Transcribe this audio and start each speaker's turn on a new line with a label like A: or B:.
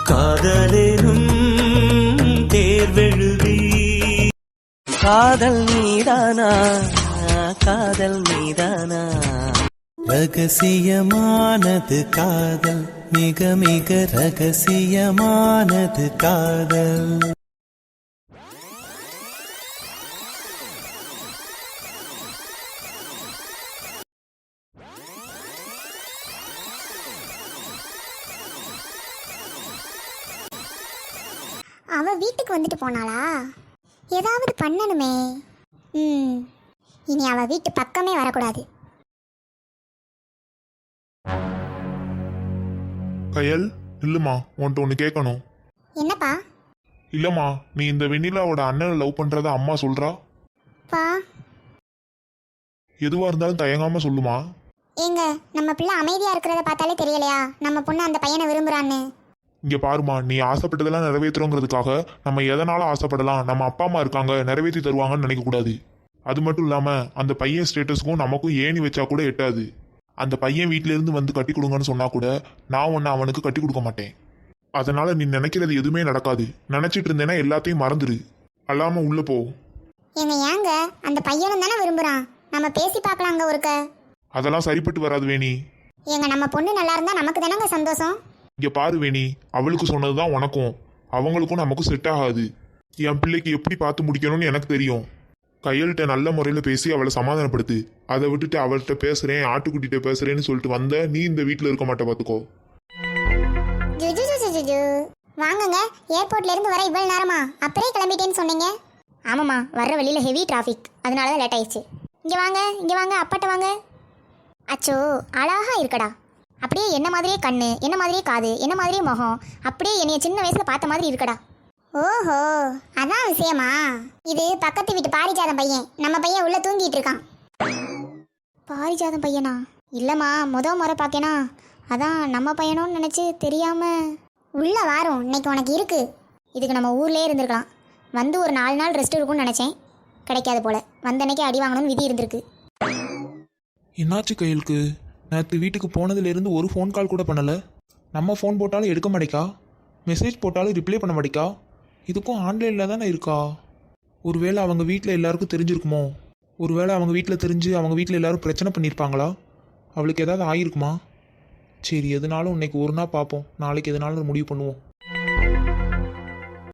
A: காதலேனும் தேர்வெழுதி காதல் மீதானா காதல் மீதானா ரகசியமானது காதல் மிக மிக ரகசியமானது காதல்.
B: அவ வீட்டுக்கு வந்துட்டு போனாளா? ஏதாவது பண்ணணுமே. இனி அவ வீட்டு பக்கமே வரக்கூடாது.
C: கயல், இல்லம்மா, உன்கிட்ட ஒன்று கேட்கணும்.
B: என்னப்பா?
C: இல்லம்மா, நீ இந்த வெண்ணிலாவோட அண்ணனை லவ் பண்றத அம்மா சொல்றா.
B: பா,
C: எதுவா இருந்தாலும் தயங்காம சொல்லுமா.
B: ஏங்க, நம்ம பிள்ளை அமைதியா இருக்கிறத பார்த்தாலே தெரியலையா நம்ம பொண்ணு அந்த பையனை விரும்புறான்னு?
C: இங்க பாருமா, நீ ஆசைப்பட்டதெல்லாம் நிறைவேற்றுறோங்கிறதுக்காக நம்ம எதனால ஆசைப்படலாம், நம்ம அப்பா அம்மா இருக்காங்க நிறைவேற்றி தருவாங்கன்னு நினைக்க கூடாது. அது மட்டும் இல்லாம அந்த பையன் ஸ்டேட்டஸ்க்கும் நமக்கும் ஏணி வச்சா கூட எட்டாது. அந்த பையன் வீட்டில இருந்து வந்து கட்டி கொடுங்கன்னு சொன்னா கூட நான் ஒன்னு அவனுக்கு கட்டி கொடுக்க மாட்டேன். அதனால நீ நினைக்கிறது எதுவுமே நடக்காது. நினைச்சிட்டு இருந்தேன்னா எல்லாத்தையும் மறந்துடு. அல்லாம உள்ள போ.
B: ஏங்க அந்த பையனும் தானே விரும்புறான், நம்ம பேசி பார்க்கலாங்க ஒருக்க.
C: அதெல்லாம் சரிப்பட்டு வராது வேணி.
B: ஏங்க, நம்ம பொண்ணு நல்லா இருந்தா நமக்கு தானங்க சந்தோஷம்.
C: இங்க பாரு வேணி, அவளுக்கு சொன்னதுதான் உனக்கும் அவங்களுக்கும் நமக்கும் செட் ஆகாது. என் பிள்ளைக்கு எப்படி பார்த்து முடிக்கணும்னு எனக்கு தெரியும். கையல்கிட்ட நல்ல முறையில் பேசி அவளை சமாதானப்படுத்து. அதை விட்டுட்டு அவள்கிட்ட பேசுறேன் ஆட்டுக்குட்டிகிட்ட பேசுறேன்னு சொல்லிட்டு வந்த நீ இந்த வீட்டில் இருக்க மாட்ட பார்த்துக்கோ.
B: வாங்குங்க, ஏர்போர்ட்ல இருந்து வர இவ்வளவு நேரமா? அப்படியே கிளம்பிட்டேன்னு சொன்னீங்க. ஆமாம்மா, வர்ற வழியில ஹெவி டிராஃபிக், அதனால தான் லேட் ஆயிடுச்சு. இங்க வாங்க அப்பாட்ட வாங்க. அச்சோ, அழகா இருக்கடா. அப்படியே என்ன மாதிரியே கண்ணு, என்ன மாதிரியே காது, என்ன மாதிரியே முகம், அப்படியே என்னைய சின்ன வயசுல பார்த்த மாதிரி இருக்கடா. ஓஹோ, அதான் விஷயமா? இது பக்கத்து வீட்டு பாரிஜாதம் பையன். நம்ம பையன் உள்ள தூங்கிட்டு இருக்கான். பாரிஜாதம் பையனா? இல்லம்மா, முறை பார்க்கேனா, அதான் நம்ம பையனோன்னு நினைச்சு தெரியாம. உள்ள வாரும், இன்னைக்கு உனக்கு இருக்கு. இதுக்கு நம்ம ஊர்லயே இருந்திருக்கலாம். வந்து ஒரு 4 நாள் ரெஸ்ட் இருக்கும்னு நினைச்சேன், கிடைக்காது போல. வந்த அன்னைக்கு அடி வாங்கணும்னு விதி இருந்திருக்கு.
D: என்னாச்சு கையலுக்கு? நேற்று வீட்டுக்கு போனதுலேருந்து ஒரு ஃபோன் கால் கூட பண்ணலை. நம்ம ஃபோன் போட்டாலும் எடுக்க மாட்டேக்கா, மெசேஜ் போட்டாலும் ரிப்ளை பண்ண மாட்டேக்கா. இதுக்கும் ஆன்லைனில் தானே இருக்கா? ஒருவேளை அவங்க வீட்டில் எல்லாருக்கும் தெரிஞ்சிருக்குமோ? ஒருவேளை அவங்க வீட்டில் தெரிஞ்சு அவங்க வீட்டில் எல்லாரும் பிரச்சனை பண்ணியிருப்பாங்களா? அவளுக்கு ஏதாவது ஆகிருக்குமா? சரி, எதுனாலும் இன்னைக்கு ஒரு நாள் பார்ப்போம், நாளைக்கு எதுனாலும் முடிவு பண்ணுவோம்.